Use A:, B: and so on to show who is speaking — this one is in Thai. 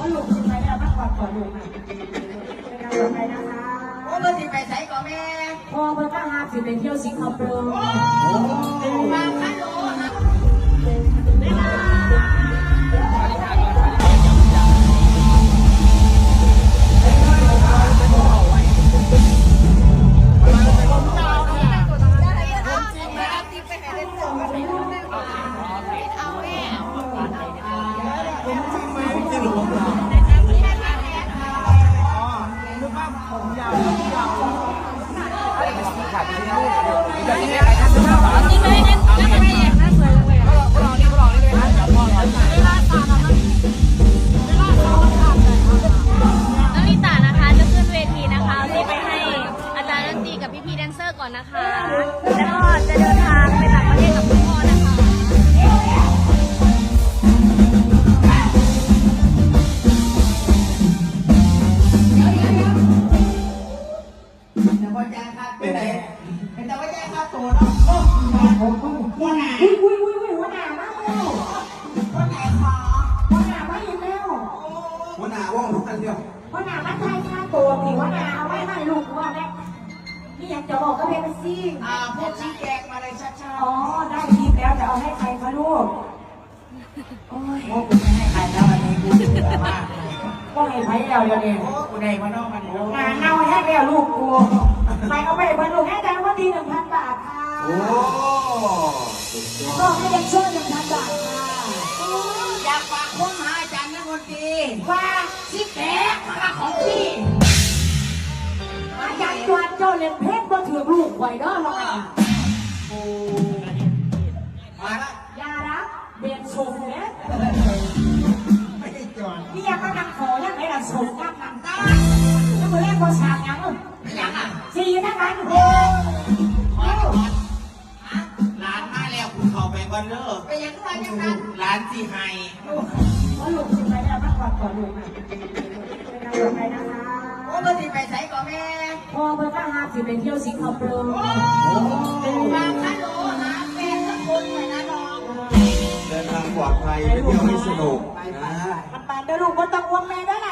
A: ลูกสิไปแล้วมาก่อนลูกเป็นการต่อไปนะคะ
B: โอ้เมื่อสิไปใส่ก่อนแม่
A: พอเมื่อถ้าหากสิไปเที่ยวสิงคโปร์
B: มาคันโลนะ
C: ก่อนนะคะแล้วก็จะเดินทางไปต่างประเทศกับคุณพ่อนะคะ
B: แต่ว่าแจ้งค่าตัวไหนแต่ว่าแจ้งค่าตัวเนาะหัวหน้า
A: หัวหน้ามาแล้ว
B: หัวหน้าขอ
A: หัวหน้ามาอีกแล้ว
D: หัวหน้าว่องทุกท่านเดียว
A: หัวหน้ามาใช้ค่าตัวนี่หัวหน้าเอาไว้ให้ลูกว่าแม่นี่อยากจะบอกก็เป็นซี่
B: พวกชี้แจงมาเลยชัดๆ
A: อ๋อได้ทีแล้วจะเอาให้ใครคะลูกโอ้ย
B: กูไม่ให้ใครแล้ววันนี้กูเบื่อมาก
A: ก็ให้ไผ่แล้วเดี๋ยวนี้
B: โอ้กูได้มานอกมัน
A: งานเน่าให้แล้วลูกกูไปเอาไปบรรลุให้ได้ว่าดี1,000 บาทค่ะ
D: โอ้
A: ก็ให้ยังช่วย1,000 บาทค่ะ
B: อยากฝากคนหาอาจารย์นักดนตรี
A: ว่า
B: ชี้แจงมาของพี่
A: อาจารย์จวนเจ้าเล่นเพชรบ่ถือลูกไว้เด้อเรา
B: โอ้มาละ
A: ยารักเบียนชมเนี่ย
B: ไม่ได้จวน
A: นี่ยังมานั่งขอยังไงล่ะชมนั่งนั่งตาแล้วมือแรกพอฉากยัง
B: ยังอ่ะ
A: 4ทั้งนั้น
B: โอ้ขอร้านมาแล้วคุณเข้าไปก่อนเด้อไปยังไงยังไงร้านที่ให้
A: เพราะลูกสิไปแล้วมาก่อนลูกเป็นการต่อไปนะคะ
B: โอ้เมื่อสิไปใส่ก่อนแม่
A: พอเมื่อถ้าหากสิไปเที่ยวสิงคโปร์
B: มาคันโลนะแฟนสักคนหน่อยนะน้อง
D: เดินทางปลอดภัยไปเที่ยวให้สนุกนะ
A: ปันเดี๋ยวลูกก็ต้องวงแม่ด้วยนะ